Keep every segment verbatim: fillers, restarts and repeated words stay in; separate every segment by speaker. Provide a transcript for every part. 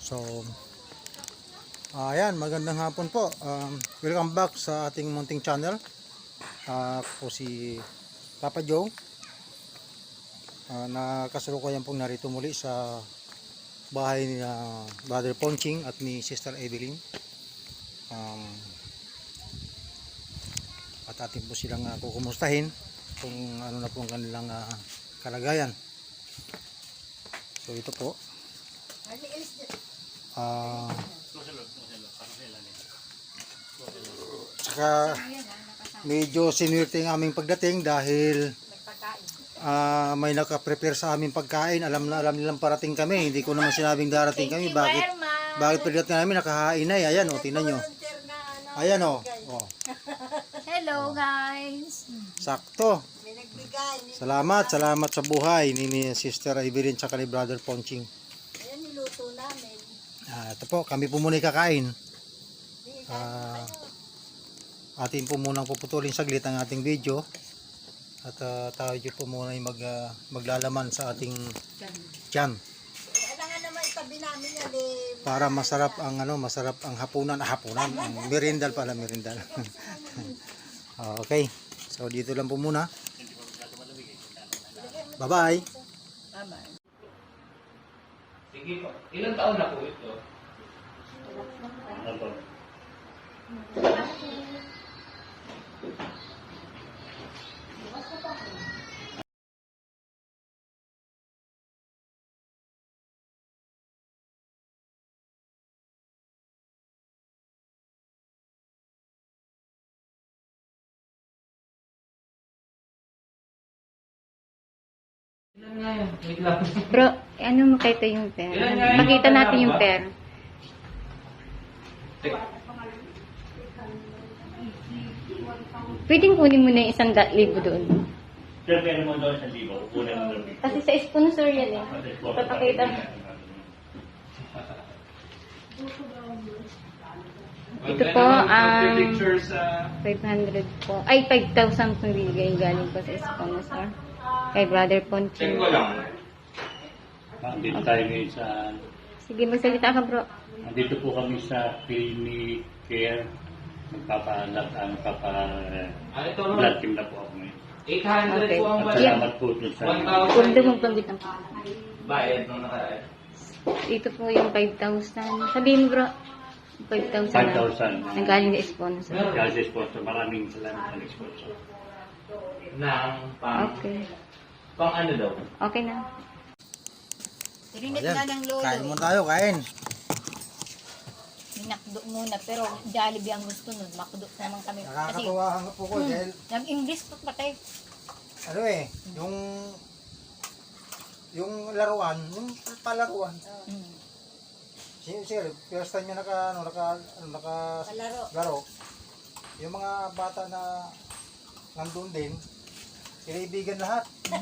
Speaker 1: So, uh, ayan, magandang hapon po. Um, welcome back sa ating munting channel. Uh, ako po si Papa Joe. Uh, nakasalukuyan pong narito muli sa bahay ni uh, Brother Ponching at ni Sister Evelyn. Um, at ating po silang uh, kukumustahin kung ano na po ang kanilang uh, kalagayan. So ito po. Ah, uh, saka medyo sinwerte ang aming pagdating dahil uh, may naka-prepare sa aming pagkain. Alam na alam nilang parating kami. Hindi ko naman sinabing darating kami. Bakit bakit pagdating namin nakahain na? Ayan o, tingnan nyo. Ayan o. Oh.
Speaker 2: Hello guys.
Speaker 1: Sakto. Salamat, salamat sa buhay ni, ni Sister Evelyn at ni Brother Ponching.
Speaker 3: Ayan niluto namin.
Speaker 1: Ah, ito po, kami po muna kakain. Ah, atin po munang puputulin saglit ang ating video. At uh, tayo po muna ay mag, uh, maglalaman sa ating tiyan.
Speaker 3: Kailangan naman itabi namin yan eh.
Speaker 1: Para masarap ang ano, masarap ang hapunan, ah, hapunan, ang merindal pala, merindal. Ah, okay. So dito lang po muna. Bye-bye.
Speaker 3: Bye-bye.
Speaker 4: Sige po. Ilang taon na po ito? Ano? Ilan nga yun? Wait lang.
Speaker 2: Bro, ano makita yung pera?
Speaker 4: Ilan nga yung
Speaker 2: Makita
Speaker 4: mga
Speaker 2: natin yung
Speaker 4: ba?
Speaker 2: pera.
Speaker 4: Teka.
Speaker 2: Pwedeng kunin mo na yung isang da- libo doon.
Speaker 4: Sir, pero mo doon sa libo. Kunin mo doon.
Speaker 2: Kasi sa sponsor yan eh. Papakita. Ito po ang five hundred po. Ay, five thousand kung bibigay galing po sa sponsor. Kay Brother
Speaker 4: Check
Speaker 2: Ponching.
Speaker 4: ko lang.
Speaker 5: Nandito tayo ngayon sa,
Speaker 2: Sige, magsalita ka bro.
Speaker 5: nandito po kami sa Clinic Care. Magpapaalat ang
Speaker 4: Ah, ito no.
Speaker 5: papa-blood team na po ako ngayon.
Speaker 4: eight hundred
Speaker 2: Okay.
Speaker 4: po ang
Speaker 5: At
Speaker 4: bayad.
Speaker 5: salamat po dun sa
Speaker 4: one
Speaker 2: Kung
Speaker 4: thousand
Speaker 2: doon magpambit ng
Speaker 4: bayad nung nakaraan.
Speaker 2: Ito po yung five thousand. Sabihin mo bro. five thousand.
Speaker 5: five thousand.
Speaker 2: Nanggaling sa sponsor.
Speaker 5: Kaya sa sponsor, maraming salamat sa sponsor.
Speaker 4: Nang pang...
Speaker 2: Okay.
Speaker 4: Pang ano daw?
Speaker 2: Okay na.
Speaker 3: Trinit
Speaker 1: Ayan,
Speaker 3: na ng lolo.
Speaker 1: kain muna tayo, kain.
Speaker 3: Minakdo muna pero Jollibee ang gusto nun. Makdo naman kami. Kasi
Speaker 1: Nakakatuwa hanga po ko
Speaker 3: hmm,
Speaker 1: dahil
Speaker 3: nag-English pa patay.
Speaker 1: ano eh, yung yung laruan, yung palaruan.
Speaker 3: Hmm.
Speaker 1: Sir, sir, first time niya naka, ano, naka, ano, naka
Speaker 3: Palaro.
Speaker 1: laro. Yung mga bata na nandun din, kaibigan lahat.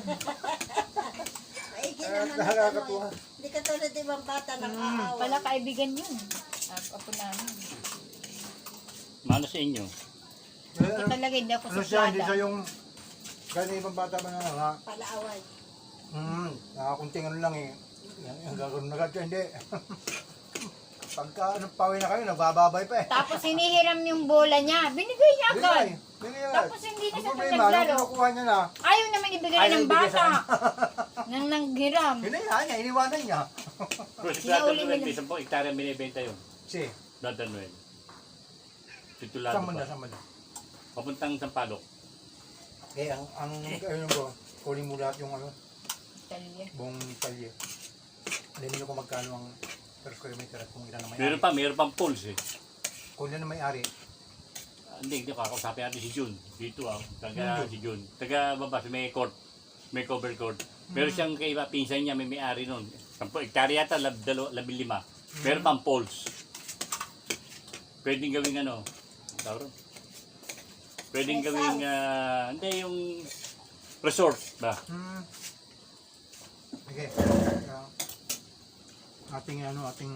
Speaker 3: Maigi
Speaker 1: Ah,
Speaker 3: naman.
Speaker 1: nakakatuwa.
Speaker 3: Hindi ka tulad ibang bata nakaawa.
Speaker 2: Pala kaibigan yun. Apo namin.
Speaker 5: Mano sa inyo?
Speaker 1: Eh, ano,
Speaker 3: Talaga hindi ako
Speaker 1: ano siya,
Speaker 3: suplada.
Speaker 1: hindi siya yung ganyan ibang bata ba na ano, ha?
Speaker 3: Palaaway.
Speaker 1: Hmm, nakakunting ano lang eh. Yan, yung gagawin na agad ka, hindi. Pagka anong pawi na kayo, nagbababay pa eh.
Speaker 3: Tapos hinihiram yung bola niya. Binigay niya agad.
Speaker 1: Binigay, binigay agad.
Speaker 3: Tapos hindi na
Speaker 1: Ang
Speaker 3: siya
Speaker 1: problema,
Speaker 3: naglaro.
Speaker 1: nung kinukuha niya na,
Speaker 3: Ayaw naman ibigay
Speaker 1: Ayaw
Speaker 3: ng
Speaker 1: ibigay sa
Speaker 3: bata. Nang nanghiram.
Speaker 1: hinayaan niya, iniwanan niya.
Speaker 5: Pero si
Speaker 3: Sinauli
Speaker 5: Brother Noel,
Speaker 3: nila.
Speaker 5: may isang po, hektarya binibenta yun.
Speaker 1: Si,
Speaker 5: Brother Noel. Titulado
Speaker 1: saan manda,
Speaker 5: pa.
Speaker 1: saan manda.
Speaker 5: Papuntang Sampalok.
Speaker 1: Eh, ang, ang, ano ko, kunin mo lahat yung ano,
Speaker 3: Talye.
Speaker 1: buong talye. Alam niyo kung magkano ang per square meter at kung ilan na may-ari.
Speaker 5: Meron pa, meron pang poles eh.
Speaker 1: Kung ilan na may-ari,
Speaker 5: Ah, Hindi, hindi ko kakausapin natin si June. Dito ah, taga si June. Taga baba, may court, may cover court. Pero siyang kay pinsan niya, may may-ari nun. Sampo, hektarya yata, lab, dalo, labi lima. Meron pang poles. Pwedeng gawing ano, tawag ron? Pwedeng gawing, ah, hindi yung resort ba?
Speaker 1: Hmm. Sige. Uh, ating ano, ating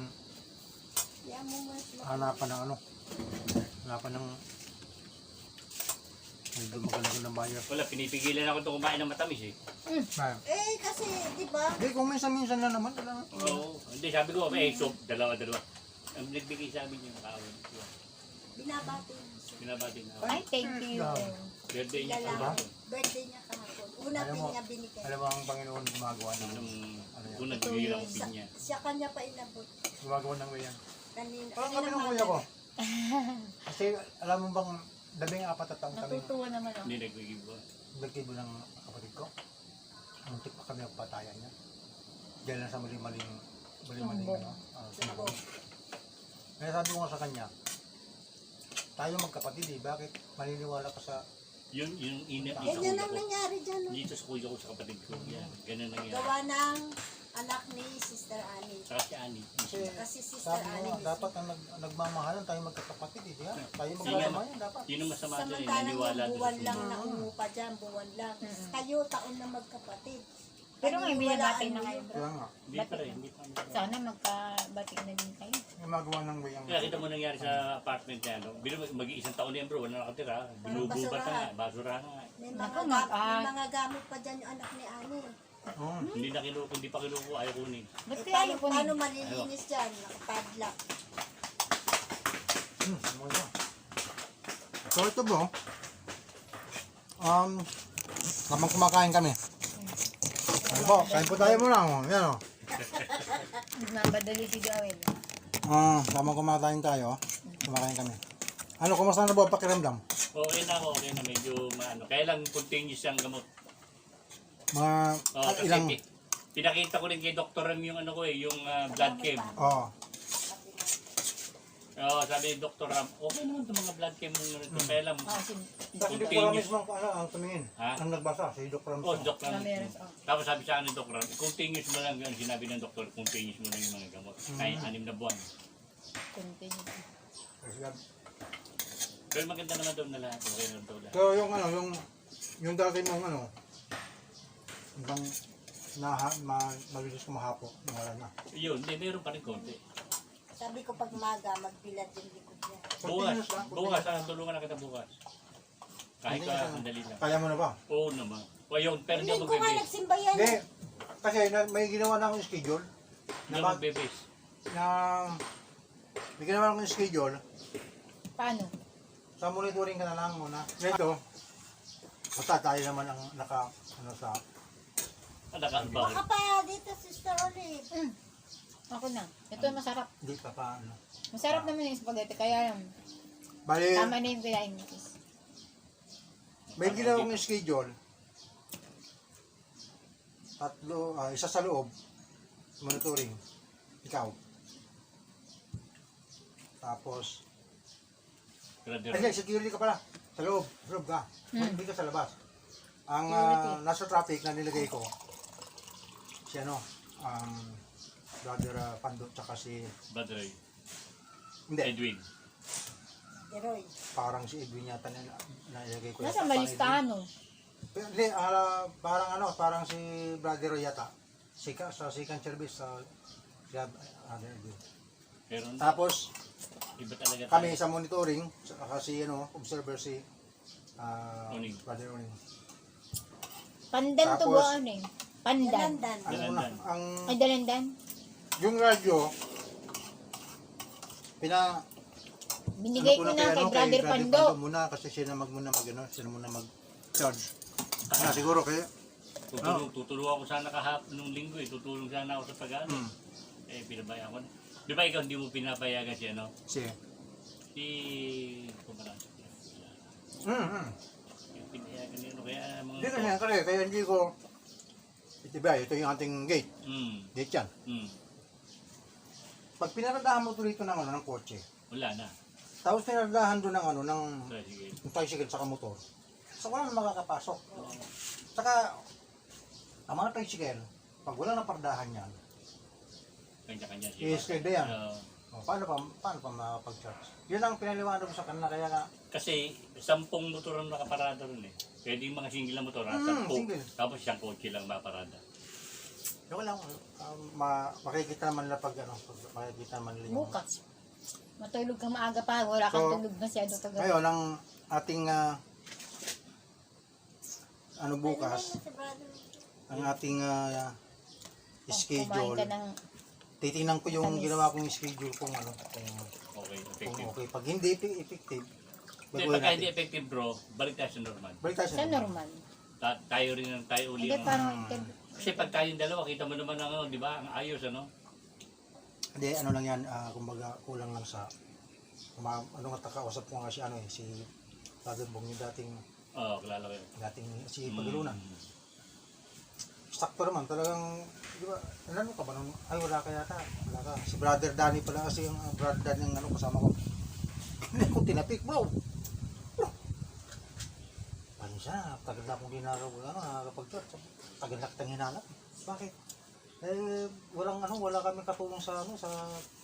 Speaker 1: hanapan ng ano. Hanapan ng Medyo magaling ng buyer.
Speaker 5: Wala, pinipigilan ako itong kumain ng matamis eh.
Speaker 1: Ayun.
Speaker 6: Eh, kasi, di ba?
Speaker 1: Hindi, kung minsan-minsan lang naman. Wala.
Speaker 5: Oo. Hindi, sabi ko, eh, so, dalawa, dalawa. Ang nagbigay sa amin yung kaawin.
Speaker 6: Binabati mo siya.
Speaker 5: Binabati na ako.
Speaker 3: Ay, thank you.
Speaker 5: Birthday niya
Speaker 6: Kilala
Speaker 5: kahapon.
Speaker 6: ko. Birthday niya kahapon. Una
Speaker 1: Alam
Speaker 6: pin
Speaker 1: mo,
Speaker 6: niya binigay.
Speaker 1: Alam mo ang Panginoon gumagawa ng
Speaker 5: Nung
Speaker 1: ano yan?
Speaker 5: unang bigay ako
Speaker 6: Sa,
Speaker 5: pinya.
Speaker 6: siya kanya pa inabot.
Speaker 1: Gumagawa ng way yan.
Speaker 6: Kanina.
Speaker 1: Parang
Speaker 6: kanina
Speaker 1: kami ng
Speaker 6: mga-
Speaker 1: kuya ko. Kasi alam mo bang labing apat na taong kami
Speaker 3: Natutuwa naman ako.
Speaker 5: Hindi nagbigay ba?
Speaker 1: nagkibo ng kapatid ko. Muntik pa kami ang patayan niya. Dahil lang sa mali-maling mali-maling
Speaker 3: Sumbong.
Speaker 1: ano, ah, sumbong. Kaya sabi ko nga sa kanya, tayo magkapatid eh, bakit maniniwala ka sa
Speaker 5: Yun, yung ina,
Speaker 6: Eh,
Speaker 5: isa
Speaker 6: yan
Speaker 5: ko
Speaker 6: ang nangyari dyan. oh.
Speaker 5: dito sa kuya ko sa kapatid ko. Yan, ganun nangyari.
Speaker 6: Gawa ng anak ni Sister Annie.
Speaker 5: Saka si Ani.
Speaker 1: kasi
Speaker 6: Kasi Sister
Speaker 1: sabi
Speaker 6: Annie
Speaker 1: mo nga,
Speaker 6: mismo.
Speaker 1: dapat ang nag, nagmamahalan tayo magkakapatid eh, di ba? Tayo
Speaker 5: Sige,
Speaker 1: magkakamayan dapat.
Speaker 5: Yun ang masama doon eh,
Speaker 6: Samantalang
Speaker 5: naniwala
Speaker 6: yung
Speaker 5: doon
Speaker 6: buwan
Speaker 5: sa
Speaker 6: lang
Speaker 5: sumunod.
Speaker 6: na umupa dyan, buwan lang. Kayo, taon na magkapatid.
Speaker 3: Pero ngayon, binabati
Speaker 6: Paniniwalaan
Speaker 3: na
Speaker 6: mo
Speaker 3: kayo,
Speaker 6: yun.
Speaker 3: bro.
Speaker 1: Kaya nga,
Speaker 5: Hindi pa rin, hindi pa rin.
Speaker 3: Sana magkabati na din kayo.
Speaker 1: gumagawa ng way ang
Speaker 5: Kaya kita mo nangyari sa apartment niya, no? Bino, mag-iisang taon na yan bro, wala nakatira. Binububat na nga, basura na nga.
Speaker 6: May
Speaker 3: Naku,
Speaker 6: mga,
Speaker 3: mag-
Speaker 6: ga- may
Speaker 3: ah.
Speaker 6: mga gamit pa dyan yung anak ni Annie.
Speaker 1: Oo.
Speaker 5: Hindi na kinuko, hindi pa kinuko, ayaw kunin.
Speaker 3: Ba't
Speaker 6: Eh,
Speaker 3: kaya
Speaker 6: paano,
Speaker 3: ayaw po
Speaker 6: paano
Speaker 3: nila?
Speaker 6: malilinis dyan? Nakapadlock.
Speaker 1: Hmm, ano yun? So ito bro, um, habang kumakain kami. Ano po, kain po tayo muna. Oh. Yan o.
Speaker 3: Nabadali si Joel.
Speaker 1: Ah, habang kumakain tayo, kumakain kami. Ano, kumusta na ba ang pakiramdam?
Speaker 5: Okay na ako, okay na, medyo maano. Kaya lang continuous yung gamot.
Speaker 1: Mga
Speaker 5: Oh,
Speaker 1: ah,
Speaker 5: kasi
Speaker 1: ilang,
Speaker 5: pi- pinakita ko rin kay Doktor Ram yung ano ko eh, yung ah, blood chem.
Speaker 1: oh,
Speaker 5: Oo, sabi ni Doktor Ram, okay naman itong mga blood chem mo nito. Kaya lang,
Speaker 3: Ah, si
Speaker 1: kasi di ko lang mismo ang, ano, ang tumingin.
Speaker 5: Ha?
Speaker 1: Ang nagbasa, si Doctor
Speaker 5: oh,
Speaker 1: Ramsey.
Speaker 5: Doktor Ram.
Speaker 3: Ramirez, oh.
Speaker 5: Tapos sabi sa akin ni Doktor Ram, continuous mo lang ang sinabi ng doktor, continuous mo lang yung mga gamot. Ay, anim na buwan.
Speaker 3: Continue.
Speaker 5: Pero maganda naman daw na lahat. Okay naman daw lahat.
Speaker 1: So yung ano, yung, yung dati mong ano, bang na ma, mabilis kumahapo, wala na.
Speaker 5: Yun, hindi, meron pa rin konti.
Speaker 6: Sabi ko pag maga, magbilad yung likod niya.
Speaker 5: Bukas,
Speaker 1: Continuous lang,
Speaker 5: bukas, ah, tulungan na kita bukas. Kahit
Speaker 1: Hindi
Speaker 5: ka
Speaker 1: ka-
Speaker 5: sandali lang.
Speaker 1: Kaya mo na ba?
Speaker 5: Oo naman. O yun, pero hindi
Speaker 6: Hindi
Speaker 5: ako
Speaker 6: ko nga
Speaker 5: magbebase.
Speaker 6: nagsimba yan.
Speaker 1: Hindi, kasi na, may ginawa na akong schedule.
Speaker 5: Hindi
Speaker 1: Na,
Speaker 5: ako
Speaker 1: bag,
Speaker 5: magbebase.
Speaker 1: na may ginawa na akong schedule.
Speaker 3: Paano?
Speaker 1: Sa monitoring ka na lang muna. Ito, basta tayo naman ang naka, ano sa,
Speaker 5: Ah, nakaambang.
Speaker 6: Baka pa dito, Sister Olive.
Speaker 3: Mm. Ako na. Ito masarap.
Speaker 1: hindi pa pa, ano.
Speaker 3: Masarap naman yung spaghetti. Kaya lang,
Speaker 1: Bali,
Speaker 3: tama na yung kinain mo. sis.
Speaker 1: may ginawa akong schedule. Tatlo, ah, isa sa loob, monitoring, ikaw. Tapos,
Speaker 5: Brother.
Speaker 1: Hindi, security ka pala. Sa loob. Sa loob ka.
Speaker 3: Hmm.
Speaker 1: Hindi ka sa labas. Ang
Speaker 3: Security.
Speaker 1: ah, nasa traffic na nilagay ko, si ano, um, brother uh, Pando, tsaka si,
Speaker 5: Brother
Speaker 1: hindi,
Speaker 5: Edwin.
Speaker 6: Eroy.
Speaker 1: parang si Edwin yata na na nilagay ko.
Speaker 3: Nasa
Speaker 1: yata,
Speaker 3: malistano.
Speaker 1: Pero Hindi, ah, parang ano, parang si brother Roy yata. Sika, sa second service, sa, si uh, Edwin.
Speaker 5: Pero
Speaker 1: Tapos,
Speaker 5: iba talaga tayo.
Speaker 1: kami sa monitoring, saka si, ano, observer si, ah,
Speaker 5: Oning.
Speaker 1: brother Oning.
Speaker 3: Pandan to
Speaker 1: Tapos-
Speaker 3: ba ano eh? Pandan.
Speaker 6: Dalandan.
Speaker 1: Ano na,
Speaker 5: Dalandan.
Speaker 1: ang,
Speaker 3: Ay, dalandan.
Speaker 1: yung radyo, pina,
Speaker 3: Binigay
Speaker 1: ano
Speaker 3: ko
Speaker 1: na
Speaker 3: na kay
Speaker 1: ano,
Speaker 3: Brother Pando.
Speaker 1: muna kasi siya na mag muna mag ano, siya na muna mag charge. Ah, siguro kayo.
Speaker 5: Tutulong, tutulong ako sana kahap nung linggo eh. Tutulong sana ako sa pag-ano.
Speaker 1: Mm.
Speaker 5: Eh, pinabayaan ko na. Di ba ikaw hindi mo pinapayagan si ano?
Speaker 1: Si.
Speaker 5: Si... Pumarang.
Speaker 1: Mm. mm.
Speaker 5: Yung pinayagan niya. ano, Kaya mga...
Speaker 1: Hindi kasi kaya kaya hindi ko ito ba, ito yung ating gate.
Speaker 5: Mm.
Speaker 1: Gate yan.
Speaker 5: Mm.
Speaker 1: Pag pinaradahan mo tuloy ito ng ano ng kotse.
Speaker 5: Wala na.
Speaker 1: Tapos pinaradahan doon ng ano ng
Speaker 5: So, sige.
Speaker 1: ng tricycle sa motor. So wala nang makakapasok. Saka ang mga tricycle, pag wala nang pardahan yan,
Speaker 5: Kanya-kanya siya.
Speaker 1: yes, kaya yan.
Speaker 5: Oo.
Speaker 1: O, paano pa paano pa makapag-charge? Yun ang pinaliwanag ko sa kanila kaya nga
Speaker 5: Kasi sampung motor ang nakaparada ron eh. Pwede yung mga single na motor, ha?
Speaker 1: Mm,
Speaker 5: Sampu.
Speaker 1: single.
Speaker 5: Tapos isang kotse lang maparada.
Speaker 1: yung lang um, ma makikita naman nila pag ano, pag makikita naman nila yung
Speaker 3: Bukas. Matulog ka maaga pa. Wala kang
Speaker 1: So,
Speaker 3: tulog masyado kagabi.
Speaker 1: ngayon ang ating ah, ano bukas,
Speaker 6: Sa brother.
Speaker 1: ang ating ah,
Speaker 3: Kumain
Speaker 1: schedule.
Speaker 3: ka ng
Speaker 1: Titingnan ko yung ginawa kong schedule kung ano, kung,
Speaker 5: Okay,
Speaker 1: kung
Speaker 5: effective.
Speaker 1: okay. Pag hindi epi- effective,
Speaker 5: Hindi,
Speaker 1: baguhin
Speaker 5: pagka hindi
Speaker 1: natin.
Speaker 5: effective bro, balik tayo sa normal.
Speaker 1: Balik tayo
Speaker 3: sa
Speaker 1: sa normal.
Speaker 3: normal.
Speaker 5: Ta- tayo rin ang tayo uli.
Speaker 3: Hindi,
Speaker 5: ang-
Speaker 3: parang,
Speaker 5: Kasi pag tayong dalawa, kita mo naman ang ano, di ba? Ang ayos, ano?
Speaker 1: Hindi, ano lang yan, ah, kumbaga kulang lang sa, kuma, ano nga takausap ko nga si ano eh, si Father Bong, yung dating,
Speaker 5: Oo, kilala ko yun.
Speaker 1: dating si
Speaker 5: Mm.
Speaker 1: Pagalunan. Sakto naman, talagang, di ba, ano ka ba nung, ay wala ka yata, wala ka. Si Brother Danny pala kasi yung uh, Brother Danny yung ano, kasama ko. Hindi ko tinapik, bro. Bro. Ano siya, tagal na akong di nakakapag, ano, nakakapag-church. Tagal na kitang hinanap. Bakit? Eh, walang ano, wala kami katulong sa ano, sa...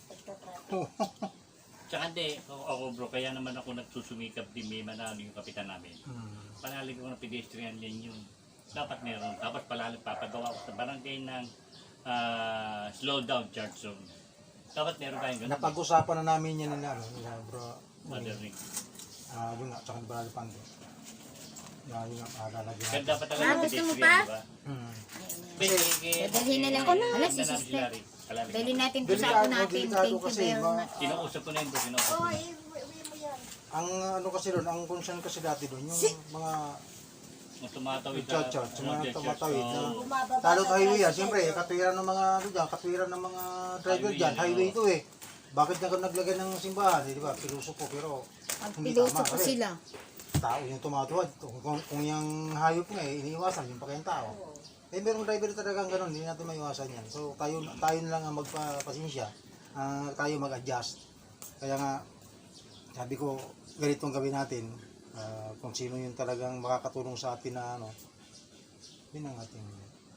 Speaker 5: Tsaka hindi, ako, ako bro, kaya naman ako nagsusumikap din may manalo yung kapitan namin.
Speaker 1: Hmm.
Speaker 5: Panalig ko ng pedestrian lane yun. Dapat meron. Tapos palalig papagawa ko sa barangay ng ah, slow down charge zone. Dapat meron tayong ganun.
Speaker 1: Napag-usapan na namin yan nila, ano, nila bro.
Speaker 5: Mother ring.
Speaker 1: Ah, yun nga, tsaka ni Brother Pando. Na, yun nga, ah, lalagyan
Speaker 5: Kaya
Speaker 1: natin.
Speaker 5: dapat talaga
Speaker 3: Ah,
Speaker 5: yung
Speaker 3: gusto mo
Speaker 5: pedestrian,
Speaker 3: pa?
Speaker 5: di ba?
Speaker 1: Hmm.
Speaker 3: Dadalhin na lang. Wala, si sister. Dali natin to sa ako
Speaker 1: Delikado,
Speaker 3: natin.
Speaker 1: delikado
Speaker 3: Thank you
Speaker 1: kasi,
Speaker 3: very
Speaker 1: ma-
Speaker 3: much.
Speaker 5: Kinausap ko na yun bro, kinausap ko
Speaker 6: Oo,
Speaker 5: na.
Speaker 6: eh, uwi mo yan.
Speaker 1: Ang ano kasi doon, ang concern kasi dati doon, yung mga
Speaker 5: Yung tumatawid na.
Speaker 1: church-church,
Speaker 5: ano,
Speaker 1: mga
Speaker 5: church,
Speaker 1: tumatawid na.
Speaker 5: oo.
Speaker 6: Bumababa
Speaker 1: Lalo
Speaker 6: sa
Speaker 1: sa highway yan,
Speaker 6: tricycle.
Speaker 1: siyempre, katwiran ng mga, ano dyan, katwiran ng mga driver
Speaker 5: Highway
Speaker 1: dyan,
Speaker 5: yan,
Speaker 1: highway
Speaker 5: oo.
Speaker 1: ito eh. Bakit na naglagay ng simbahan, eh, di ba? Piluso po, pero
Speaker 3: Ang
Speaker 1: hindi
Speaker 3: piloto
Speaker 1: tama.
Speaker 3: ko
Speaker 1: Kasi
Speaker 3: sila.
Speaker 1: tao yung tumatuwad. Kung, kung, kung yung hayop nga eh, iniiwasan, yung pa kayong tao. Eh, merong driver talagang ganun, hindi natin maiwasan yan. So, tayo, tayo na lang ang magpapasensya, ah, tayo mag-adjust. Kaya nga, sabi ko, ganitong gawin natin, ah, kung sino yung talagang makakatulong sa atin na ano, yun ang ating...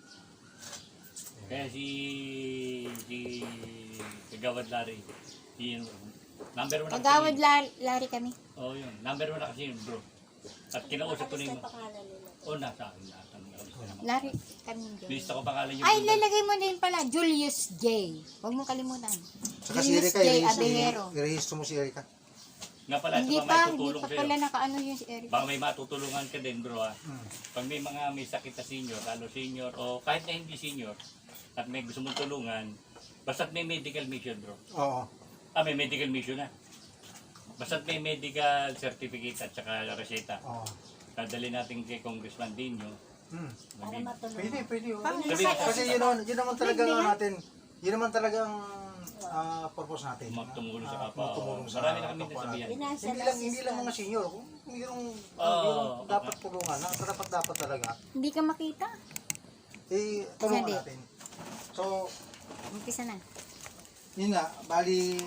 Speaker 5: Kaya si si Kagawad Larry, yun, number one na
Speaker 3: Pagawad
Speaker 5: kasi
Speaker 3: la- lari kami.
Speaker 5: yun. Oo yun, number one na kasi yun bro. At kinausap ko na
Speaker 6: Alis
Speaker 5: yun.
Speaker 6: na yung pangalan nila.
Speaker 5: Oo, nasa akin, nasa akin.
Speaker 3: Lari kami dyan.
Speaker 5: Lista ko pangalan yung
Speaker 3: Ay, lalagay mo din pala. Julius J. Huwag mong kalimutan.
Speaker 1: Saka si
Speaker 3: Julius
Speaker 1: Erika,
Speaker 3: J.
Speaker 1: i-rehistro,
Speaker 3: Abejero.
Speaker 1: i-rehistro mo si Erika.
Speaker 5: Nga pala,
Speaker 3: Hindi
Speaker 5: sa mga
Speaker 3: pa,
Speaker 5: may
Speaker 3: hindi
Speaker 5: tutulong
Speaker 3: pa
Speaker 5: sa'yo.
Speaker 3: pala nakaano yun si Eric.
Speaker 5: Baka may matutulungan ka din bro ha.
Speaker 1: Hmm.
Speaker 5: Pag may mga may sakit na senior, lalo senior, o kahit na hindi senior, at may gusto mong tulungan, basta't may medical mission bro.
Speaker 1: Oo.
Speaker 5: Ah, may medical mission na. Basta't may medical certificate at saka reseta.
Speaker 1: Oo.
Speaker 5: Dadali natin kay Congressman Dino.
Speaker 1: Hmm.
Speaker 6: Para matulungan.
Speaker 1: Pwede, pwede. oo.
Speaker 5: Sabi-
Speaker 1: Kasi yun naman, yun naman talaga ang natin, yun naman talagang ah, purpose natin.
Speaker 5: Mag- tumulong sa
Speaker 1: Ah,
Speaker 5: kapwa.
Speaker 1: tumulong sa
Speaker 5: Marami na kami
Speaker 1: kapwa
Speaker 5: nasabihan.
Speaker 1: natin.
Speaker 6: Financial
Speaker 1: Hindi lang, hindi lang
Speaker 6: assistance.
Speaker 1: mga senior. Kung mayroong
Speaker 5: Oo.
Speaker 1: mayroong dapat tulungan, na dapat dapat talaga,
Speaker 3: Hindi ka makita.
Speaker 1: eh, tulungan
Speaker 3: Hindi.
Speaker 1: natin. So,
Speaker 3: Umpisa na.
Speaker 1: yun nga, bali,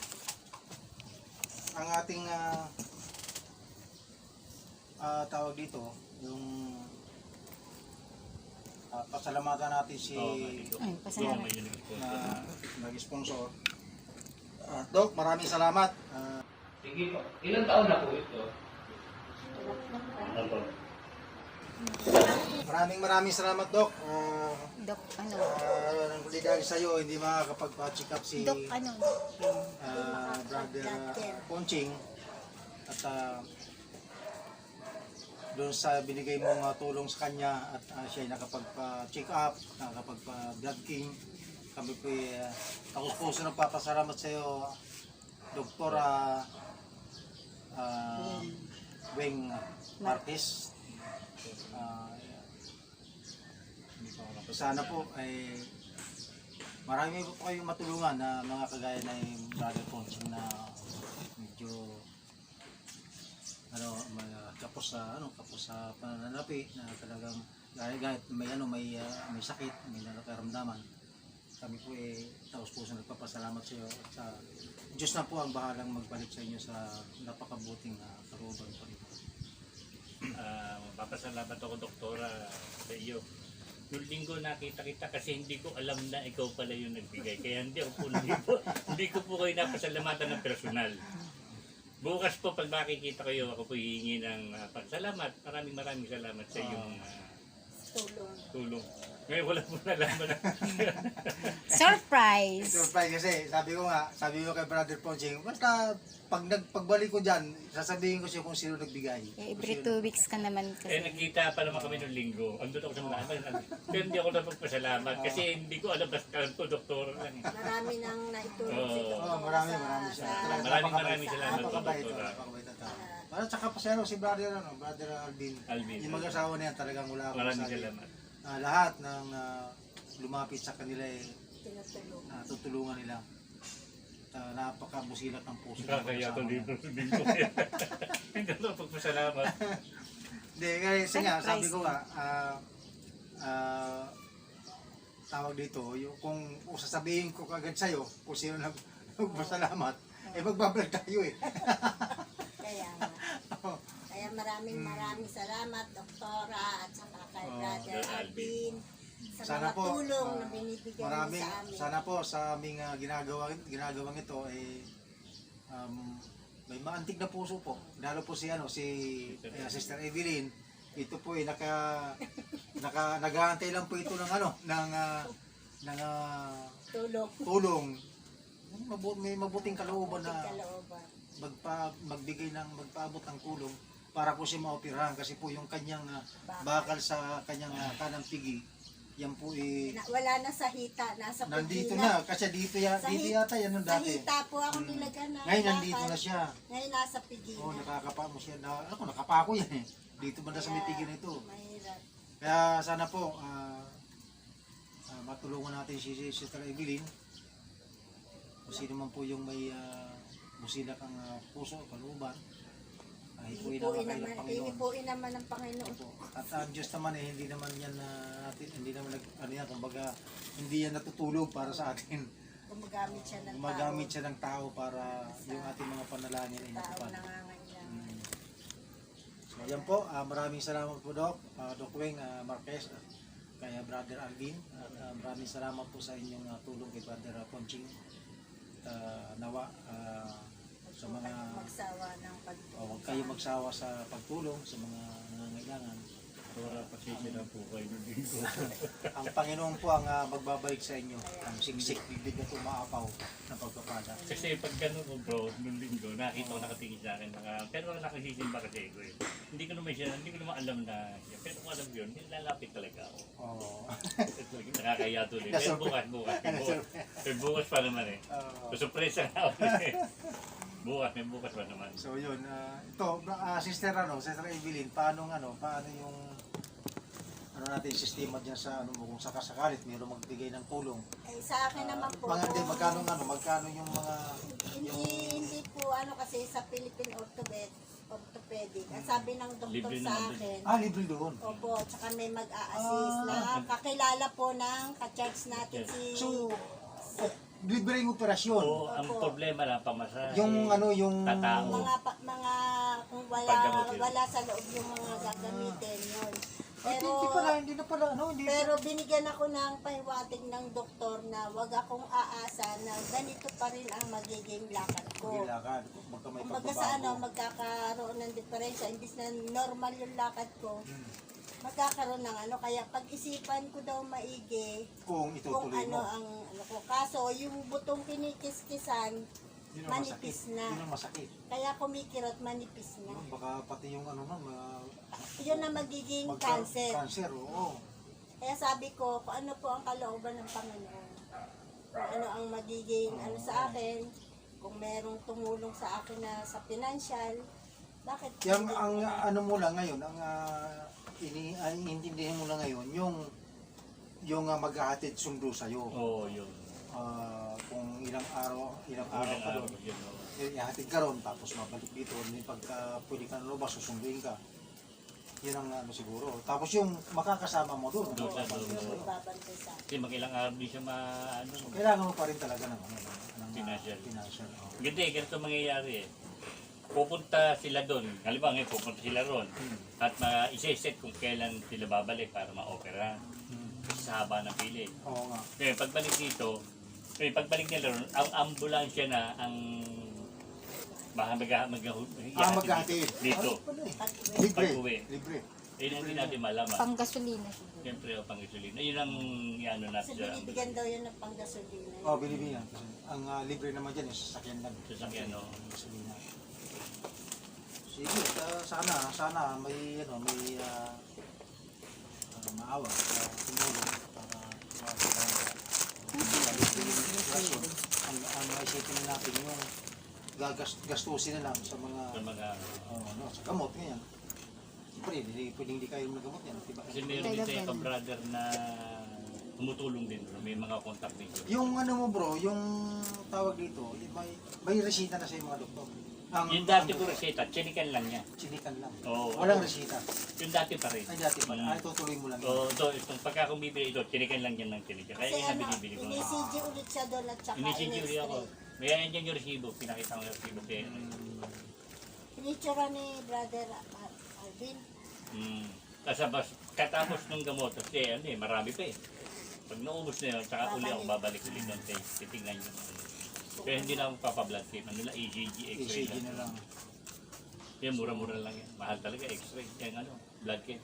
Speaker 1: ang ating ah, ah, tawag dito, yung ah, pasalamatan natin si
Speaker 5: Oo, dito.
Speaker 3: Ay, pasalamat.
Speaker 5: Oo, may yun.
Speaker 1: na nag-sponsor. Ah, Doc, maraming salamat. Ah,
Speaker 4: Sige po. Ilang taon na po ito?
Speaker 5: Opo.
Speaker 1: maraming maraming salamat, Doc. Ah,
Speaker 3: Dok, ano?
Speaker 1: ah, nang huli dahil sa'yo, hindi makakapag-check up si
Speaker 3: Dok, ano?
Speaker 1: ah, Brother ah, Ponching. At ah, doon sa binigay mong ah, tulong sa kanya at ah, siya ay nakapagpa-check up, nakapagpa-blood king. Kami po ay uh, taus-puso nagpapasalamat sa iyo, Doktor ah, ah, Weng Marquez. Ah, sana po ay marami po kayong matulungan na mga kagaya na yung Brother Ponching na medyo ano may uh, kapos sa ano kapos sa pananalapi na talagang gaya gaya may ano may ah, may sakit, may nakaramdaman. Kami po eh taos-puso nagpapasalamat sa iyo at sa Diyos na po ang bahalang magbalik sa inyo sa napakabuting uh, kalooban po rin.
Speaker 5: Ah, papasalamat ako doktora sa iyo. Noong linggo nakita kita kasi hindi ko alam na ikaw pala yung nagbigay. Kaya hindi ako po, hindi po, hindi ko po kayo napasalamatan ng personal. Bukas po pag makikita kayo, ako po hihingi ng uh, pagsalamat. Maraming maraming salamat sa iyong uh,
Speaker 6: tulong.
Speaker 5: Tulong. Ngayon wala po nalaman na.
Speaker 3: Surprise!
Speaker 1: Surprise kasi, sabi ko nga, sabi ko kay Brother Ponching, basta pag nagpagbalik ko dyan, sasabihin ko siya kung sino nagbigay.
Speaker 3: Eh, every two weeks ka naman
Speaker 5: Eh,
Speaker 3: kasi.
Speaker 5: nagkita pa naman kami nung linggo. Andun ako sa mga anak. Pero hindi ako napagpasalamat kasi hindi ko alam basta alam ko doktor lang. eh.
Speaker 6: Marami nang naitulong
Speaker 5: Oo.
Speaker 6: si
Speaker 1: Oo,
Speaker 6: Doktor
Speaker 1: oh, marami,
Speaker 6: sa-
Speaker 1: marami siya.
Speaker 6: sa-
Speaker 1: Talagang
Speaker 5: Maraming
Speaker 1: napakabait.
Speaker 5: maraming salamat po,
Speaker 1: Napakabait,
Speaker 5: Doktor.
Speaker 1: napakabait na tao. Para tsaka pa siya, no, si Brother, ano, Brother Alvin.
Speaker 5: Alvin.
Speaker 1: Yung mag-asawa na yan, talagang wala akong
Speaker 5: Maraming
Speaker 1: masabi.
Speaker 5: salamat.
Speaker 1: Ah, lahat ng ah, lumapit sa kanila eh,
Speaker 6: tinutulong.
Speaker 1: ah, tutulungan nila. Uh, napakabusilat ng puso. ng
Speaker 5: Kakaya ito
Speaker 1: mag-asawa
Speaker 5: dito
Speaker 1: na.
Speaker 5: sa bingko. Hindi ako napagpasalamat.
Speaker 1: Hindi, kasi nga, sabi ko nga, ah, ah, tawag dito, yung, kung, kung sasabihin ko kagad sa'yo, kung sino nag magpasalamat, eh magbablog tayo eh.
Speaker 6: Kaya nga. Kaya maraming maraming salamat, Doktora, at saka kay
Speaker 1: Oh,
Speaker 6: Brother
Speaker 5: Brother
Speaker 6: Alvin. Sa
Speaker 1: Sana
Speaker 6: mga
Speaker 1: po,
Speaker 6: tulong
Speaker 1: ah,
Speaker 6: na binibigyan
Speaker 1: Marami,
Speaker 6: mo sa amin.
Speaker 1: sana po sa aming ah, ginagawa, ginagawang ito, eh, um, may maantig na puso po. Lalo po si, ano, si eh, Sister Evelyn, ito po eh, naka, naka, nag-aantay lang po ito ng ano, ng, ah, ng ah,
Speaker 6: Tulong.
Speaker 1: tulong. Mabu- may mabuting kalooban na
Speaker 6: Kalooban.
Speaker 1: magpa, magbigay ng magpaabot ng tulong para po siya maoperahan kasi po yung kanyang ah, bakal sa kanyang uh, kanang pigi yan po eh
Speaker 6: Na, wala na sa hita, nasa
Speaker 1: nandito
Speaker 6: pigila.
Speaker 1: na kasi dito ya
Speaker 6: Sa
Speaker 1: dito
Speaker 6: hit-
Speaker 1: yata yan nung
Speaker 6: Sa
Speaker 1: dati.
Speaker 6: hita po ako
Speaker 1: Mm.
Speaker 6: nilagyan na.
Speaker 1: Ngayon nandito na siya.
Speaker 6: Ngayon nasa pigila.
Speaker 1: Oh, nakakapa mo siya. Na, ako nakapako yan eh. Dito banda sa may pigi na ito.
Speaker 6: Mahirap.
Speaker 1: Kaya sana po ah ah, matulungan natin si si Sister Evelyn. Kung sino man po yung may uh, musilak ang ah, puso, kalooban. Ay po
Speaker 6: Ihipuin
Speaker 1: inawakay
Speaker 6: naman,
Speaker 1: ng Panginoon.
Speaker 6: ihipuin naman ng Panginoon.
Speaker 1: Opo. At ang Diyos naman eh, hindi naman yan na natin, hindi naman nag, ano yan, kumbaga, hindi yan natutulog para sa atin.
Speaker 6: Gumagamit siya ng
Speaker 1: Gumagamit
Speaker 6: tao.
Speaker 1: siya ng tao para yung ating mga panalangin ay
Speaker 6: Tao
Speaker 1: matupad.
Speaker 6: nangangailangan.
Speaker 1: Mm. So yan po, ah, maraming salamat po Doc, uh, Doc Weng ah, Marquez, at kaya Brother Alvin, at ah, maraming salamat po sa inyong ah, tulong kay Brother Ponching. Uh, nawa, ah, sa
Speaker 6: Huwag
Speaker 1: mga
Speaker 6: kayong magsawa ng
Speaker 1: o
Speaker 6: pagtulong.
Speaker 1: huwag kayong magsawa sa pagtulong sa mga nangangailangan.
Speaker 5: Tora, pasensya na po kayo nung linggo.
Speaker 1: Ang Panginoon po ang ah, magbabalik sa inyo, ang siksik, bibig at umaapaw ng pagpapada.
Speaker 5: Kasi pag gano'n ko bro, nung linggo, nakita ko nakatingin sa akin. Naka, pero nakasisimba kasi ko eh. Hindi ko naman siya, hindi ko naman alam na siya. Pero kung alam yun, nilalapit talaga ako.
Speaker 1: Oo.
Speaker 5: Nakakaya tuloy. Pero
Speaker 1: Nasurpre-
Speaker 5: bukas, bukas, may bukas. May bukas pa naman eh.
Speaker 1: Oo.
Speaker 5: Surpresa nga ako eh. Bukas, may bukas pa naman.
Speaker 1: So yun, ah, ito, ah, Sister ano, Sister Evelyn, paano ano, paano yung ano natin sistema diyan sa ano mo kung sakasakalit mayroong magbigay ng tulong.
Speaker 6: Eh, sa akin naman po.
Speaker 1: Mga hindi magkano ano, magkano yung mga
Speaker 6: Hindi, hindi po ano kasi sa Philippine Orthoped, Orthopedic. Ang sabi ng doktor
Speaker 5: Libre
Speaker 6: sa
Speaker 5: naman
Speaker 6: akin,
Speaker 1: ah libre doon.
Speaker 6: opo, tsaka may mag-a-assist na kakilala po ng ka-charge natin si...
Speaker 1: So oh, libre yung operasyon.
Speaker 5: Oo, ang problema lang, pamasahe.
Speaker 1: Yung ano yung
Speaker 5: Tatao.
Speaker 6: mga pa, mga kung wala
Speaker 5: Paggamot yun.
Speaker 6: wala sa loob yung mga gagamitin yun.
Speaker 1: Ay,
Speaker 6: Pero
Speaker 1: hindi pala, hindi na pala ano, hindi.
Speaker 6: pero binigyan ako ng pahiwatig ng doktor na wag akong aasa na ganito pa rin ang magiging lakad ko.
Speaker 1: Kailangan magka may
Speaker 6: Kumbaga sa ano,
Speaker 1: pagbabago.
Speaker 6: magkakaroon ng diferensya. Imbis na normal yung lakad ko,
Speaker 1: Hmm.
Speaker 6: magkakaroon ng ano. Kaya pag-isipan ko daw maigi
Speaker 1: Kung
Speaker 6: kung
Speaker 1: itutuloy
Speaker 6: ano
Speaker 1: mo.
Speaker 6: ang ano ko. Kaso yung butong kinikis-kisan,
Speaker 1: Yun ang masakit.
Speaker 6: manipis na.
Speaker 1: Yun ang masakit.
Speaker 6: kaya kumikirot manipis na.
Speaker 1: Yun, baka pati yung ano nun, uh,
Speaker 6: Yun ang magiging
Speaker 1: magka-
Speaker 6: cancer.
Speaker 1: Cancer, oo.
Speaker 6: Kaya sabi ko, kung ano po ang kalooban ng Panginoon. Kung ano ang magiging ano sa akin, kung merong tumulong sa akin na sa financial, bakit
Speaker 1: Yang
Speaker 6: hindi
Speaker 1: ang
Speaker 6: ko na-
Speaker 1: ano mo lang ngayon, ang uh, ini ang intindihin mo lang ngayon, yung yung uh, maghahatid sundo sa iyo.
Speaker 5: Oo, yun.
Speaker 1: Kung ilang araw, ilang araw
Speaker 5: Ilang
Speaker 1: ka
Speaker 5: araw,
Speaker 1: doon,
Speaker 5: yun. oo.
Speaker 1: eh, ihatid ka ron, tapos mabalik dito, hindi pagka pwede ka na lumabas, susunduin ka. Yan ang ano siguro. Tapos yung makakasama mo doon.
Speaker 5: Doon sa doon.
Speaker 6: yung magbabantay sa akin.
Speaker 5: Kasi mag-ilang araw di siya ma... Ano,
Speaker 1: Kailangan mo pa rin talaga ng ano, ng, ng uh,
Speaker 5: Financial.
Speaker 1: financial. oh.
Speaker 5: Ganti, ganito mangyayari eh. Pupunta sila doon. Halimbawa ngayon, pupunta sila ron.
Speaker 1: Hmm.
Speaker 5: At ma-isa-set kung kailan sila babalik para ma-opera.
Speaker 1: Hmm.
Speaker 5: Kasi sa haba ng pili.
Speaker 1: Oo nga.
Speaker 5: Ngayon, pagbalik dito, ngayon, pagbalik nila ron, ang ambulansya na ang baka mag mag
Speaker 1: Ah, maghahatid.
Speaker 5: dito.
Speaker 1: Ano, pala eh.
Speaker 6: Pag-
Speaker 1: Libre.
Speaker 5: Pag-uwi.
Speaker 1: Libre.
Speaker 5: Yun ang hindi natin malaman.
Speaker 3: Pang gasolina siguro.
Speaker 5: Siyempre, o pang-insulin. Yun ang ano
Speaker 6: Kasi
Speaker 5: natin sa
Speaker 6: binibigyan daw yan ng panggasolina.
Speaker 1: Oh, binibigyan. Ang ah, libre naman dyan is sasakyan lang.
Speaker 5: sasakyan. No?
Speaker 1: Gasolina. Sige, ah, sana, sana may, ano, may ah, ah, maawa sa tumulong para uh, ang, ang maisipin natin yung gagas, gastusin na lang sa mga,
Speaker 5: Sa mga,
Speaker 1: oh, ano, sa gamot, ganyan. Siyempre, hindi, pwedeng hindi kayo ng gamot yan. Diba?
Speaker 5: kasi meron din tayo ka-brother na tumutulong din. Bro. May mga contact din. Bro.
Speaker 1: Yung ano mo bro, yung tawag dito, may, may resita na sa mga doktor. Ang,
Speaker 5: Yung dati ko reseta, chinikan lang niya.
Speaker 1: Sinikan lang.
Speaker 5: Oo.
Speaker 1: Walang resita.
Speaker 5: Yung dati pa rin.
Speaker 1: Ay, dati pa.
Speaker 5: Mm.
Speaker 1: Ay, tutuloy mo lang. yun.
Speaker 5: Oo, ito, itong pagka kung bibili ito, chinikan lang yan ng chinikan. Kaya
Speaker 6: Kasi
Speaker 5: yun ang
Speaker 6: ano,
Speaker 5: binibili ko.
Speaker 6: ini-C G ulit siya doon at saka
Speaker 5: Inisindi ulit ako.
Speaker 6: in-X-ray.
Speaker 5: May yan dyan yung resibo, pinakita ko yung resibo kaya.
Speaker 6: Pinitsura ni brother Ar- Alvin.
Speaker 5: Mm. Kasabas, katapos ng gamot, kasi ano eh, marami pa eh. Pag naubos na yun, saka uli ako babalik ulit doon tayo. Titingnan yun. Kaya hindi na ako papablood tape. Ano lang, E G G,
Speaker 1: E
Speaker 5: X-ray
Speaker 1: C G na lang.
Speaker 5: Kaya mura-mura lang yan. Mahal talaga, X-ray. Kaya ano, blood kit.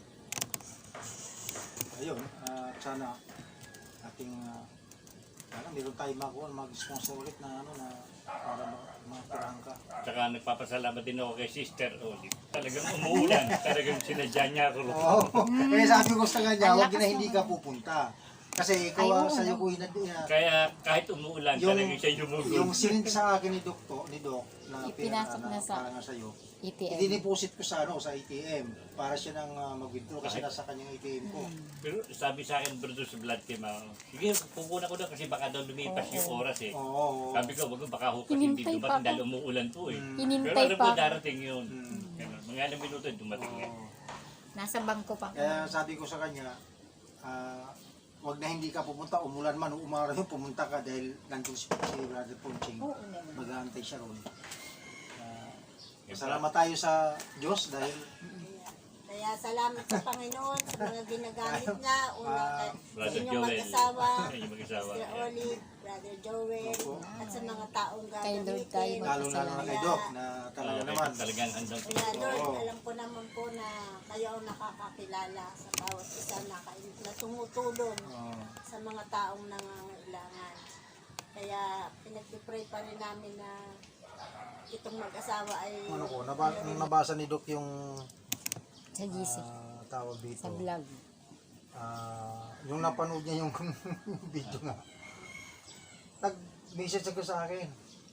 Speaker 1: Ayun, ah, sana ating uh, sana meron tayo makuha, mag-sponsor ulit na ano na para makapirang ka.
Speaker 5: Tsaka nagpapasalamat din ako kay Sister Oli. Talagang umuulan. Talagang sinadya niya ako.
Speaker 1: Oo. Kaya sabi ko sa kanya, huwag na hindi ka pupunta. Kasi ikaw ah, sa'yo ko hinad uh,
Speaker 5: Kaya kahit umuulan,
Speaker 1: Yung-
Speaker 5: talagang siya yumugod.
Speaker 1: yung sinend sa akin ni Dokto, ni Doc na
Speaker 3: Ipinasok
Speaker 1: pera
Speaker 3: na sa-
Speaker 1: para nga sa'yo.
Speaker 3: A T M.
Speaker 1: Idiniposit ko sa ano sa A T M para siya nang uh, mag-withdraw kasi nasa kanyang A T M ko.
Speaker 5: Pero sabi sa akin, bro, sa blood team, ah, sige, kukunan ko na kasi baka daw lumipas yung oras eh.
Speaker 1: Oo.
Speaker 5: Sabi ko, wag mo, baka hukas hindi
Speaker 3: Hinintay
Speaker 5: dumating
Speaker 3: pa ako.
Speaker 5: dahil umuulan po eh. Pero
Speaker 3: Hinintay
Speaker 5: alam
Speaker 3: pa
Speaker 5: ko,
Speaker 3: ako.
Speaker 5: darating yun. Ganun. Mga ilang minuto dumating yan.
Speaker 1: Oo.
Speaker 3: Nasa bangko pa ako.
Speaker 1: Kaya sabi ko sa kanya, ah, wag na hindi ka pupunta, umulan man o umaraw yung pumunta ka dahil nandun si, si Brother Ponching.
Speaker 3: Oo naman.
Speaker 1: Mag-aantay siya ron. Ah, salamat tayo sa Diyos dahil
Speaker 6: Kaya salamat sa Panginoon sa mga ginagamit niya. Una
Speaker 1: Ah,
Speaker 6: kay sa
Speaker 5: Brother
Speaker 6: inyong
Speaker 5: Joel.
Speaker 6: mag-asawa,
Speaker 5: Ayun yung mag-asawa.
Speaker 6: Sister Olive, Brother Joel,
Speaker 1: Opo.
Speaker 6: at sa mga taong
Speaker 3: Kay Lord tayo
Speaker 6: gagamitin.
Speaker 1: lalo-lalo na kay Doc na talaga
Speaker 5: Oo,
Speaker 1: naman.
Speaker 5: Talagang handang
Speaker 6: Kaya Lord,
Speaker 1: Oo.
Speaker 6: alam ko naman po na kayo ang nakakakilala sa bawat isa na, kayo- na tumutulong
Speaker 1: Oo.
Speaker 6: sa mga taong nangangailangan. Kaya pinagpipray pa rin namin na itong mag-asawa ay
Speaker 1: ano ko, naba, nung nabasa ni Doc yung
Speaker 3: Sa G C.
Speaker 1: ah, tawag dito.
Speaker 3: Sa vlog.
Speaker 1: Ah, yung napanood niya yung video nga. Nag-message ako sa akin.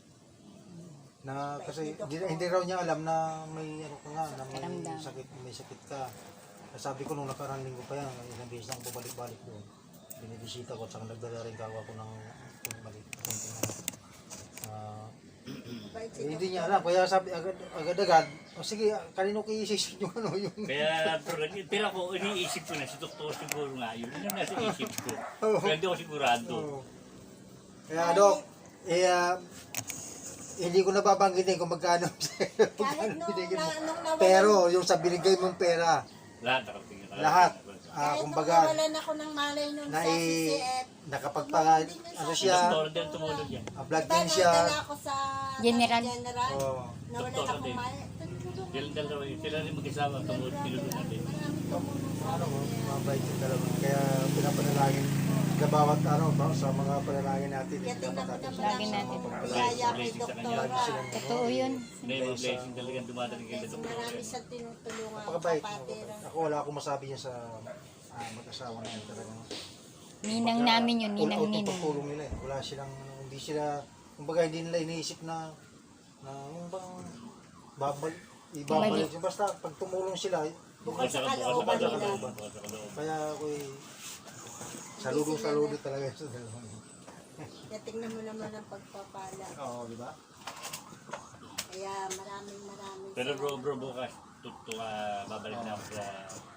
Speaker 1: Na kasi hindi, hindi raw niya alam na may ano ka nga, na may
Speaker 3: Pakiramdam.
Speaker 1: sakit, may sakit ka. Sabi ko nung nakarang linggo pa yan, ilang beses lang bumalik-balik doon. Binibisita ko at saka nagdala rin kawa ko ng balik. Ah,
Speaker 6: bait si
Speaker 1: eh,
Speaker 6: Doc.
Speaker 1: hindi niya alam, kaya sabi agad, agad-agad, oh, sige, kanino ko i-isip yung ano yung
Speaker 5: Kaya, bro, pero ako, iniisip ko na si doktor siguro nga yun. Yun ang nasa isip ko. Kaya hindi ako sigurado.
Speaker 1: Oo. Kaya Dok, eh, ah, hindi ko nababanggitin kung magkano
Speaker 6: Kahit nung,
Speaker 1: binigyan mo.
Speaker 6: na, nung nawalan,
Speaker 1: Pero yung sa binigay mong pera,
Speaker 5: Lahat nakarating.
Speaker 1: lahat, ah,
Speaker 6: kahit nung
Speaker 1: kumbaga,
Speaker 6: nawalan ako ng malay nun
Speaker 1: na
Speaker 6: sa C C F,
Speaker 1: nakapagpa, ano
Speaker 5: Si
Speaker 1: siya,
Speaker 5: doktor din tumulong yan.
Speaker 1: ah, blood
Speaker 6: diba
Speaker 1: din siya.
Speaker 6: nadala ako sa
Speaker 3: General.
Speaker 6: General,
Speaker 1: Oh,
Speaker 6: nawalan
Speaker 5: Doktor
Speaker 6: akong
Speaker 5: din.
Speaker 6: malay. Tutulong
Speaker 5: Sila dalawa, sila rin mag-isawa, tumulong, tinulungan din.
Speaker 6: Maraming tumulong sa
Speaker 1: ano,
Speaker 6: akin.
Speaker 1: mabait yung dalawa. Kaya pinapanalangin, sa bawat ano, ba- sa mga panalangin natin,
Speaker 6: Kaya tingnan
Speaker 1: dapat
Speaker 6: mo
Speaker 1: natin
Speaker 6: naman
Speaker 3: Lagi
Speaker 6: ang
Speaker 3: natin.
Speaker 6: biyaya kay
Speaker 5: Blessing sa kanya.
Speaker 1: lagi
Speaker 6: Doktora.
Speaker 1: silang
Speaker 3: Totoo yun.
Speaker 5: May mga blessing talagang dumadating kay
Speaker 6: Kasi
Speaker 5: doktor.
Speaker 6: marami siyang tinutulungan
Speaker 1: napakabait.
Speaker 6: kapatid.
Speaker 1: Ako wala akong masabi niya sa ah, mag-asawa na yun talaga.
Speaker 3: Ninang namin yun, ninang
Speaker 1: All out
Speaker 3: ninang.
Speaker 1: tutulong nila eh. Wala silang, ano, hindi sila, kumbaga hindi nila iniisip na, na yung bang babal, ibabalik. Basta pag tumulong sila,
Speaker 6: Bukod sa
Speaker 5: Bukas
Speaker 6: kalooban
Speaker 5: sa
Speaker 6: nila.
Speaker 5: kalooban, bukas sa kalooban.
Speaker 1: kaya ako'y saludo-saludo talaga sa dalawa.
Speaker 6: Kaya tingnan mo naman ang pagpapala.
Speaker 1: Oo, di ba?
Speaker 6: Kaya maraming maraming
Speaker 5: Pero bro, bro, bukas, tuto, uh, babalik na ako sa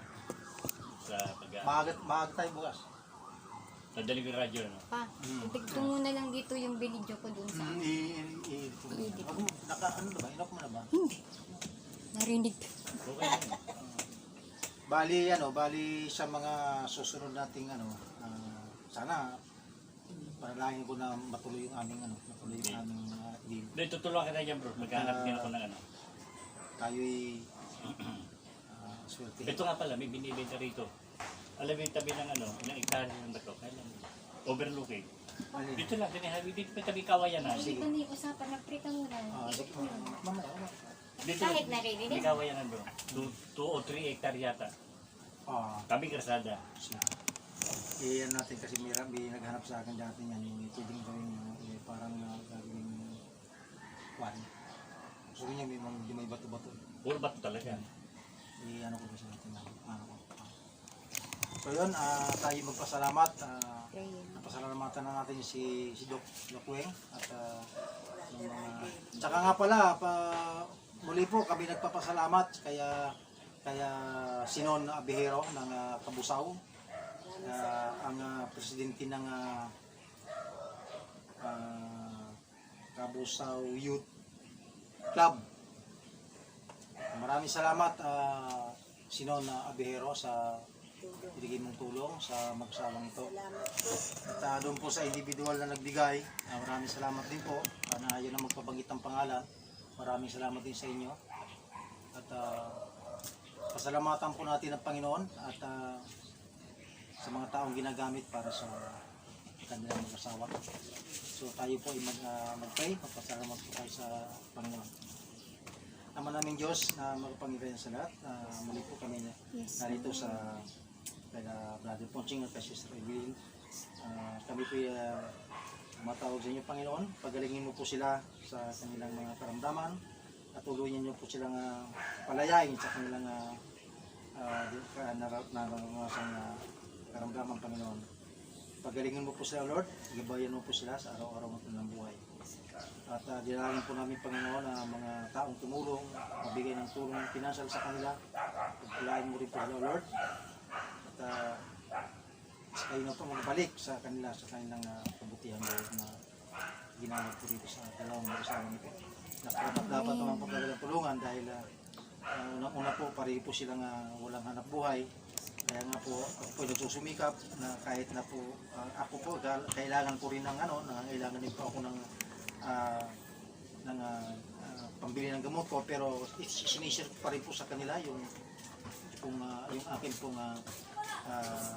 Speaker 5: sa pag
Speaker 1: Maaga, maaga tayo bukas.
Speaker 5: Nadali ko yung radyo, no?
Speaker 3: Pa, itigto mo na lang dito yung binidyo ko dun sa...
Speaker 1: Mm, i, i, i,
Speaker 3: I-edit.
Speaker 1: Wag mo, naka, ano na ba? Inok mo na ba?
Speaker 3: Hindi. Narinig.
Speaker 5: Okay lang.
Speaker 1: Bali, ano, bali sa mga susunod nating, ano, ah, sana, panalangin ko na matuloy yung aming, ano, matuloy yung aming uh, deal.
Speaker 5: Hindi, tutulungan kita dyan, bro. Magkahanap din ako ng ano.
Speaker 1: Tayo'y, ah, Swerte.
Speaker 5: Ito nga pala, may binibenta rito. Alam mo yung tabi ng ano, ilang hektarya ng bato. Kailan? Overlooking.
Speaker 1: Alin?
Speaker 5: Dito lang, tinahabi dito may tabi kawayan na.
Speaker 3: Dito na yung usapan ng prika muna.
Speaker 1: Ah, sige. Mamaya, mamaya.
Speaker 5: Dito
Speaker 3: Kahit
Speaker 5: lang,
Speaker 3: narinig.
Speaker 5: may kawayan na doon. two o three hektarya yata.
Speaker 1: Ah,
Speaker 5: Tabi Krasada.
Speaker 1: sige. Iyan natin kasi may, may naghanap sa akin dati yan, yung pwedeng gawin eh, parang uh, gagawin kwan. Gusto niya may, mga- may bato-bato.
Speaker 5: Puro bato talaga.
Speaker 1: Eh, ano ko ba sa atin? Ano ko? Ah. So yun, ah, tayo magpasalamat. ah, Pasalamatan na natin si si Doc Lakweng at uh, yung mga tsaka nga pala pa, muli po kami nagpapasalamat kaya kaya Sinon Abihero ng uh, Kabusaw, uh, ang uh, presidente ng uh, uh, Kabusaw Youth Club. Maraming salamat uh, Sinon uh, Abihero sa binigay mong tulong sa magsawang ito. At uh, doon po sa individual na nagbigay, uh, maraming salamat din po. Uh, na ayaw na magpabanggit ng pangalan. Maraming salamat din sa inyo. At uh, pasalamatan po natin ang Panginoon at uh, sa mga taong ginagamit para sa kanilang mag-asawa. So tayo po ay mag, uh, mag-pray, magpasalamat po tayo sa Panginoon. Ama naming Diyos na magpangirayan sa lahat, uh, muli po kami na narito sa kaya Brother Ponching at kay Sister Evelyn. Uh, kami po uh, matawag sa inyo Panginoon, pagalingin mo po sila sa kanilang mga karamdaman at tuluyan niyo po silang uh, palayain sa kanilang uh, uh, nararamdaman uh, karamdaman Panginoon. Pagalingin mo po sila Lord, gibayan mo po sila sa araw-araw ng kanilang buhay. At uh, dinalangin po namin Panginoon na uh, mga taong tumulong, mabigay ng tulong financial sa kanila. Pagpalain mo rin po sila Lord. At uh, kayo na po magbalik sa kanila, sa kanilang uh, kabutihan Lord na ginawag po dito sa dalawang mag-asawa nito. Dapat dapat naman po talagang tulungan dahil uh, uh, unang-una po pareho po silang uh, walang hanap buhay. Kaya nga po ako po nagsusumikap na kahit na po uh, ako po kailangan ko rin ng ano, nangangailangan din po ako ng uh, ng uh, uh, pambili ng gamot ko pero sinishare ko pa rin po sa kanila yung kung uh, yung akin pong uh, uh,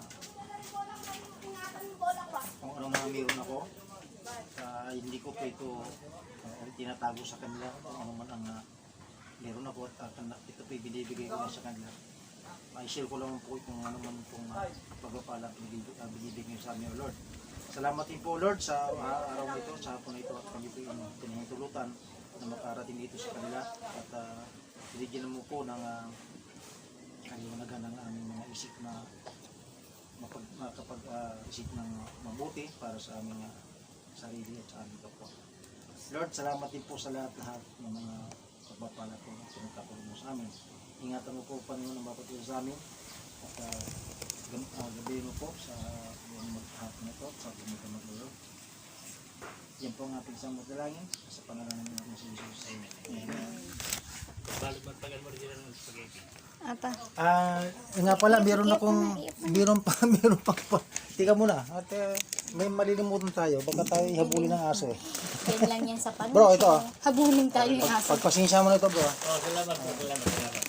Speaker 1: kung anong mga meron ako. Uh, hindi ko po ito uh, tinatago sa kanila kung ano man ang uh, meron ako at uh, ito po binibigay ko lang sa kanila. I-share ko lang po kung ano man pong uh, pagpapala binibigay, uh, binibigay sa amin, Lord. Salamat din po, Lord, sa uh, araw nito, sa hapon na ito at kami po yung pinahintulutan na makarating dito sa kanila at uh, binigyan mo po ng uh, kaliwanagan ng aming mga isip na mapag, makapag-isip uh, ng mabuti para sa aming uh, sarili at sa aming kapwa. Lord, salamat din po sa lahat-lahat ng mga pagpapala po na pinagkapulong mo sa amin. Ingatan mo po Panginoon ang mapatuloy sa amin at uh, uh, gabihin mo po sa yung maghapon na ito sa ating mga maglulog. Yan po ang ating isang magdalangin sa pangalan ng ating si Jesus. Amen.
Speaker 5: Balik magtagal mo rin sila ng spaghetti.
Speaker 2: Apa?
Speaker 1: Ah, nga pala, meron akong, meron pa, meron pa pa. Tika muna, at uh, may malilimutan tayo, baka tayo habulin ng aso eh.
Speaker 3: Yan lang yan sa panuso.
Speaker 1: Bro, ito ah.
Speaker 3: Habulin tayo yung aso.
Speaker 1: Pagpasensya mo na ito bro.
Speaker 5: Oh, salamat po, salamat, salamat.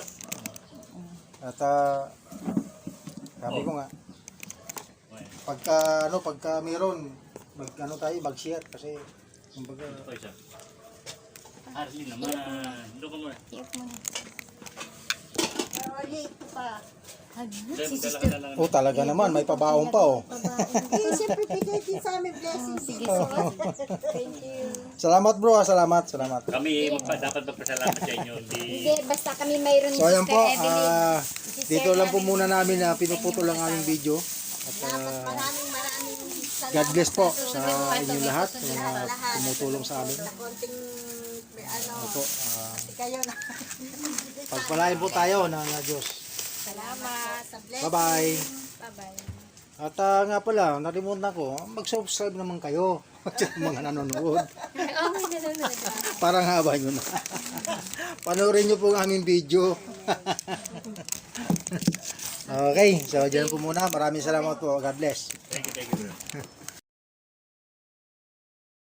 Speaker 1: At uh, sabi ko nga, pagka ano, pagka meron, mag ano tayo, mag-share kasi kumbaga,
Speaker 5: Ito pa isa. Arlene naman, doon ka muna.
Speaker 3: Iyok mo na.
Speaker 6: Oh, late pa.
Speaker 3: Hag na.
Speaker 5: Dahil
Speaker 3: Si
Speaker 5: dala
Speaker 3: sister.
Speaker 5: ka na lang.
Speaker 1: oh talaga naman, may pabaong pa oh.
Speaker 6: Hindi, siyempre bigay din sa amin blessings.
Speaker 3: Sige,
Speaker 6: ito.
Speaker 3: sige.
Speaker 6: Thank you.
Speaker 1: Salamat bro, ah, salamat, salamat.
Speaker 5: Kami magpa, dapat magpasalamat sa inyo. Di,
Speaker 3: Hindi, basta kami mayroon
Speaker 1: So ayan
Speaker 3: Sister
Speaker 1: po,
Speaker 3: Evelyn.
Speaker 1: ah,
Speaker 3: Sister
Speaker 1: dito lang po
Speaker 3: Evelyn.
Speaker 1: muna namin na pinuputol ang aming video. At
Speaker 6: Dapat
Speaker 1: ah,
Speaker 6: maraming maraming salamat.
Speaker 1: God bless po
Speaker 6: sa
Speaker 1: sa
Speaker 6: tulong.
Speaker 1: inyong lahat,
Speaker 6: Sa
Speaker 1: mga
Speaker 6: lahat.
Speaker 1: tumutulong sa amin.
Speaker 6: Sa konting, ano,
Speaker 1: Opo, ah,
Speaker 6: kayo na.
Speaker 1: pagpalain po tayo ng uh, Diyos.
Speaker 6: Salamat sa blessing.
Speaker 1: Bye-bye.
Speaker 3: Bye-bye.
Speaker 1: At ah, nga pala, nalimutan ko, mag-subscribe naman kayo sa mga nanonood.
Speaker 3: Oh, may nanonood.
Speaker 1: Parang haba nyo na. Panoorin nyo po ang aming video. Okay, so dyan po muna. Maraming salamat po. God bless.